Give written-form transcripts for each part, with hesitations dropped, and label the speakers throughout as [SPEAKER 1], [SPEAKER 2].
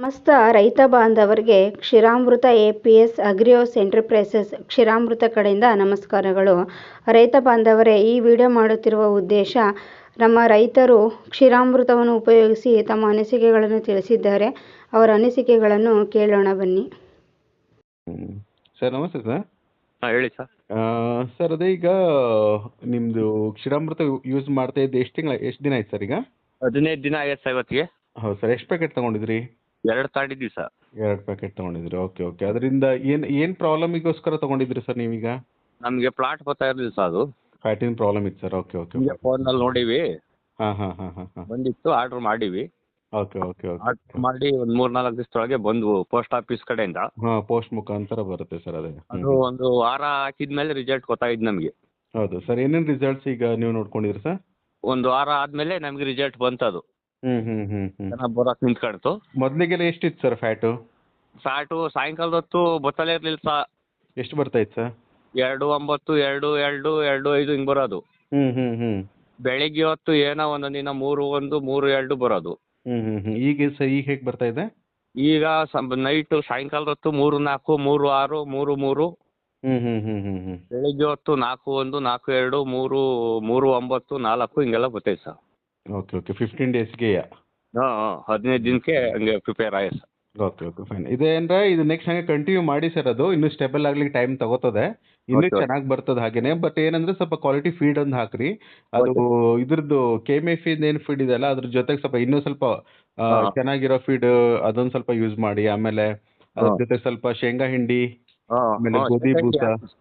[SPEAKER 1] ಸಮಸ್ತ ರೈತ ಬಾಂಧವರಿಗೆ ಕ್ಷೀರಾಮೃತ ಎಪಿಎಸ್ ಅಗ್ರಿಯೋಸ್ ಎಂಟರ್ಪ್ರೈಸಸ್ ಕ್ಷೀರಾಮೃತ ಕಡೆಯಿಂದ ನಮಸ್ಕಾರಗಳು. ರೈತ ಬಾಂಧವರೇ, ಈ ವಿಡಿಯೋ ಮಾಡುತ್ತಿರುವ ಉದ್ದೇಶ, ನಮ್ಮ ರೈತರು ಕ್ಷೀರಾಮೃತವನ್ನು ಉಪಯೋಗಿಸಿ ತಮ್ಮ ಅನಿಸಿಕೆಗಳನ್ನು ತಿಳಿಸಿದ್ದಾರೆ. ಅವರ ಅನಿಸಿಕೆಗಳನ್ನು ಕೇಳೋಣ ಬನ್ನಿ.
[SPEAKER 2] ಸರ್ ನಮಸ್ತೆ ಸರ್.
[SPEAKER 3] ಹೇಳಿ ಸರ್.
[SPEAKER 2] ಸರ್ ಅದೇ ಈಗ ನಿಮ್ಮದು ಕ್ಷೀರಾಮೃತ ಯೂಸ್ ಮಾಡ್ತಾ ಇದ್ದು ಎಷ್ಟು ದಿನ ಆಯ್ತು ಸರ್ ಈಗ?
[SPEAKER 3] 15 ದಿನ ಆಯ್ತು ಸರ್ ಇವತ್ತಿಗೆ.
[SPEAKER 2] ಹೌದು ಸರ್. ಎಷ್ಟು ಪ್ಯಾಕೆಟ್ ತೊಗೊಂಡಿದ್ರಿ?
[SPEAKER 3] 2 ತಗೊಂಡಿದ್ವಿ ಸರ್.
[SPEAKER 2] 2 ಪ್ಯಾಕೆಟ್ ತೊಗೊಂಡಿದ್ರಿ. Okay okay. ಅದರಿಂದ ಏನು ಪ್ರಾಬ್ಲಮಿಗೋಸ್ಕರ ತೊಗೊಂಡಿದ್ರಿ ಸರ್ ನೀವೀಗ?
[SPEAKER 3] ನಮಗೆ ಪ್ಲಾಟ್ ಬರ್ತಾ ಇರಲಿಲ್ಲ ಸರ್, ಅದು
[SPEAKER 2] ಫ್ಯಾಟಿನ ಪ್ರಾಬ್ಲಮ್ ಇತ್ತು ಸರ್. Okay okay.
[SPEAKER 3] ಫೋನಲ್ಲಿ ನೋಡಿವಿ,
[SPEAKER 2] ಹಾಂ ಹಾಂ ಹಾಂ ಹಾಂ ಹಾಂ.
[SPEAKER 3] ಬಂದಿತ್ತು, ಆರ್ಡರ್ ಮಾಡಿವಿ.
[SPEAKER 2] Okay okay okay.
[SPEAKER 3] ಆರ್ಡರ್ ಮಾಡಿ ಒಂದು 3-4 ದಿವಸದೊಳಗೆ ಬಂದ್ವು ಪೋಸ್ಟ್ ಆಫೀಸ್ ಕಡೆಯಿಂದ.
[SPEAKER 2] ಹಾಂ, ಪೋಸ್ಟ್ ಮುಖಾಂತರ ಬರುತ್ತೆ ಸರ್. ಅದೇ
[SPEAKER 3] ಅದು ಒಂದು ವಾರ ಹಾಕಿದ್ಮೇಲೆ ರಿಸಲ್ಟ್ ಗೊತ್ತಾಯ್ತು ನಮಗೆ.
[SPEAKER 2] ಹೌದು ಸರ್. ಏನೇನು ರಿಸಲ್ಟ್ಸ್ ಈಗ ನೀವು ನೋಡ್ಕೊಂಡಿದ್ರಿ ಸರ್?
[SPEAKER 3] ಒಂದು ವಾರ ಆದ್ಮೇಲೆ ನಮಗೆ ರಿಸಲ್ಟ್ ಬಂತು. ಅದು ಚೆನ್ನಾಗಿ ಬರೋಕೆ ನಿಂತ್ಕೊಳ್ತು.
[SPEAKER 2] ಮೊದಲಿಗೆಲ್ಲ ಎಷ್ಟಿತ್ತು ಸರ್ ಫ್ಯಾಟು?
[SPEAKER 3] ಫ್ಯಾಟು ಸಾಯಂಕಾಲದ ಹೊತ್ತು ಗೊತ್ತಲೇ ಇರಲಿಲ್ಲ ಸರ್.
[SPEAKER 2] ಎಷ್ಟು ಬರ್ತಾ ಇತ್ತು ಸರ್?
[SPEAKER 3] 2.9, 2.2, 2.5 ಹಿಂಗೆ ಬರೋದು. ಬೆಳಿಗ್ಗೆ ಹೊತ್ತು ಏನೋ ಒಂದೊಂದು ದಿನ 3.1, 3.2 ಬರೋದು.
[SPEAKER 2] ಈಗ ಸರ್ ಈಗ ಹೇಗೆ ಬರ್ತಾ ಇದೆ?
[SPEAKER 3] ಈಗ ನೈಟು ಸಾಯಂಕಾಲದ ಹೊತ್ತು 3.4, 3.6, 3.3. ಬೆಳಿಗ್ಗೆ ಹೊತ್ತು 4.1, 4.2, 3.9, 4 ಹಿಂಗೆಲ್ಲ ಬರ್ತೈತೆ ಸರ್.
[SPEAKER 2] Okay okay. 15 ಡೇಸ್ಗೆಯಾ?
[SPEAKER 3] ಹಾಂ, 15 ದಿನಕ್ಕೆ ಹಂಗೆ ಪ್ರಿಪೇರ್ ಆಗಿದೆ ಸರ್.
[SPEAKER 2] Okay okay fine. ಇದೇನಂದ್ರೆ ಇದು ನೆಕ್ಸ್ಟ್ ಹಂಗೆ ಕಂಟಿನ್ಯೂ ಮಾಡಿ ಸರ್. ಅದು ಇನ್ನೂ ಸ್ಟೇಬಲ್ ಆಗ್ಲಿಕ್ಕೆ ಟೈಮ್ ತಗೋತದೆ. ಇನ್ನೂ ಚೆನ್ನಾಗಿ ಬರ್ತದೆ ಹಾಗೇನೆ. ಬಟ್ ಏನಂದ್ರೆ ಸ್ವಲ್ಪ ಕ್ವಾಲಿಟಿ ಫೀಡ್ ಒಂದು ಹಾಕ್ರಿ. ಅದು ಇದ್ರದ್ದು ಕೆಮೆಫಿನ್ ಏನು ಫೀಡ್ ಇದೆಯಲ್ಲ, ಅದ್ರ ಜೊತೆಗೆ ಸ್ವಲ್ಪ ಇನ್ನೂ ಸ್ವಲ್ಪ ಚೆನ್ನಾಗಿರೋ ಫೀಡ್ ಅದೊಂದು ಸ್ವಲ್ಪ ಯೂಸ್ ಮಾಡಿ. ಆಮೇಲೆ ಅದ್ರ ಜೊತೆ ಸ್ವಲ್ಪ ಶೇಂಗಾ ಹಿಂಡಿ, ಆಮೇಲೆ ಗೋಧಿ ಬೂಸ.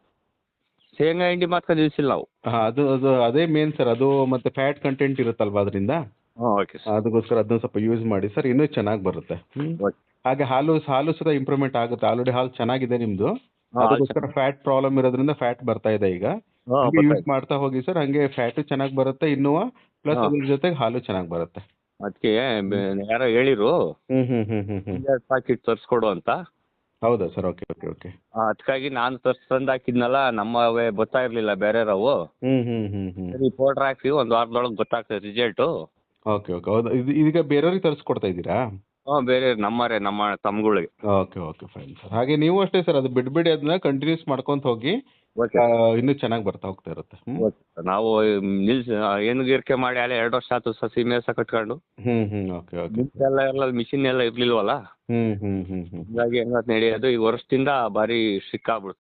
[SPEAKER 3] ಶೇಂಗಾ ಹಿಂಡಿ ಮಾತ್ರ ನಿಲ್ಸಿಲ್ಲ ನಾವು.
[SPEAKER 2] ಹಾಂ, ಅದು ಅದು ಅದೇ ಮೇನ್ ಸರ್. ಅದು ಮತ್ತೆ ಫ್ಯಾಟ್ ಕಂಟೆಂಟ್ ಇರುತ್ತಲ್ವಾ ಅದರಿಂದ,
[SPEAKER 3] ಓಕೆ ಸರ್.
[SPEAKER 2] ಅದಕ್ಕೋಸ್ಕರ ಅದನ್ನ ಸ್ವಲ್ಪ ಯೂಸ್ ಮಾಡಿ ಸರ್. ಇನ್ನೂ ಚೆನ್ನಾಗಿ ಬರುತ್ತೆ. ಹಾಗೆ ಹಾಲು ಸಹ ಇಂಪ್ರೂವ್ಮೆಂಟ್ ಆಗುತ್ತೆ. ಆಲ್ರೆಡಿ ಹಾಲು ಚೆನ್ನಾಗಿದೆ ನಿಮ್ಮದು. ಅದಕ್ಕೋಸ್ಕರ ಫ್ಯಾಟ್ ಪ್ರಾಬ್ಲಮ್ ಇರೋದ್ರಿಂದ ಫ್ಯಾಟ್ ಬರ್ತಾ ಇದೆ ಈಗ. ಯೂಸ್ ಮಾಡ್ತಾ ಹೋಗಿ ಸರ್. ಹಂಗೆ ಫ್ಯಾಟು ಚೆನ್ನಾಗಿ ಬರುತ್ತೆ ಇನ್ನೂ, ಪ್ಲಸ್ ಅದ್ರ ಜೊತೆಗೆ ಹಾಲು ಚೆನ್ನಾಗಿ ಬರುತ್ತೆ.
[SPEAKER 3] ಅದಕ್ಕೆ ಯಾರೋ ಹೇಳಿರು ಪ್ಯಾಕೆಟ್ ತರಿಸ್ಕೊಡು ಅಂತ.
[SPEAKER 2] ಹೌದಾ ಸರ್? Okay okay okay.
[SPEAKER 3] ಅದಕ್ಕಾಗಿ ನಾನು ತಂದು ಹಾಕಿದ್ನಲ್ಲ, ನಮ್ಮವೇ ಗೊತ್ತಾ ಇರಲಿಲ್ಲ ಬೇರೆಯವ್ರವು. ಸರಿ, ಪೌಡ್ರ್ ಹಾಕಿ ಒಂದು ವಾರದೊಳಗೆ ಗೊತ್ತಾಗ್ತದೆ ರಿಸಲ್ಟು.
[SPEAKER 2] Okay okay. ಹೌದು. ಇದೀಗ ಬೇರೆಯವ್ರಿಗೆ ತರಿಸ್ಕೊಡ್ತಾ ಇದ್ದೀರಾ?
[SPEAKER 3] ಬೇರೆ ನಮ್ಮ ತಮ್ಮಗಳಿಗೆ.
[SPEAKER 2] Okay okay fine sir. ಹಾಗೆ ನೀವು ಅಷ್ಟೇ ಸರ್, ಅದು ಬಿಡ್ಬೇಡಿ, ಅದನ್ನ ಕಂಟಿನ್ಯೂಸ್ ಮಾಡ್ಕೊಂತ ಹೋಗಿ. ಇನ್ನೂ ಚೆನ್ನಾಗಿ ಬರ್ತಾ ಹೋಗ್ತಾ ಇರುತ್ತೆ.
[SPEAKER 3] ನಾವು ಏನುಗೀರಿಕೆ ಮಾಡಿ ಅಲ್ಲೇ 2 ವರ್ಷ ಆಯ್ತು ಸಸಿ ಮೇಸ ಕಟ್ಕೊಂಡು.
[SPEAKER 2] Okay okay.
[SPEAKER 3] ಎಲ್ಲ ಮಿಷಿನ್ ಎಲ್ಲ ಇರ್ಲಿಲ್ವಲ್ಲ. ಹೀಗಾಗಿ ಹೆಂಗ ನಡೆಯೋದು ಈ ವರ್ಷದಿಂದ ಭಾರಿ ಸಿಕ್ಕಾಗ್ಬಿಡ್ತು.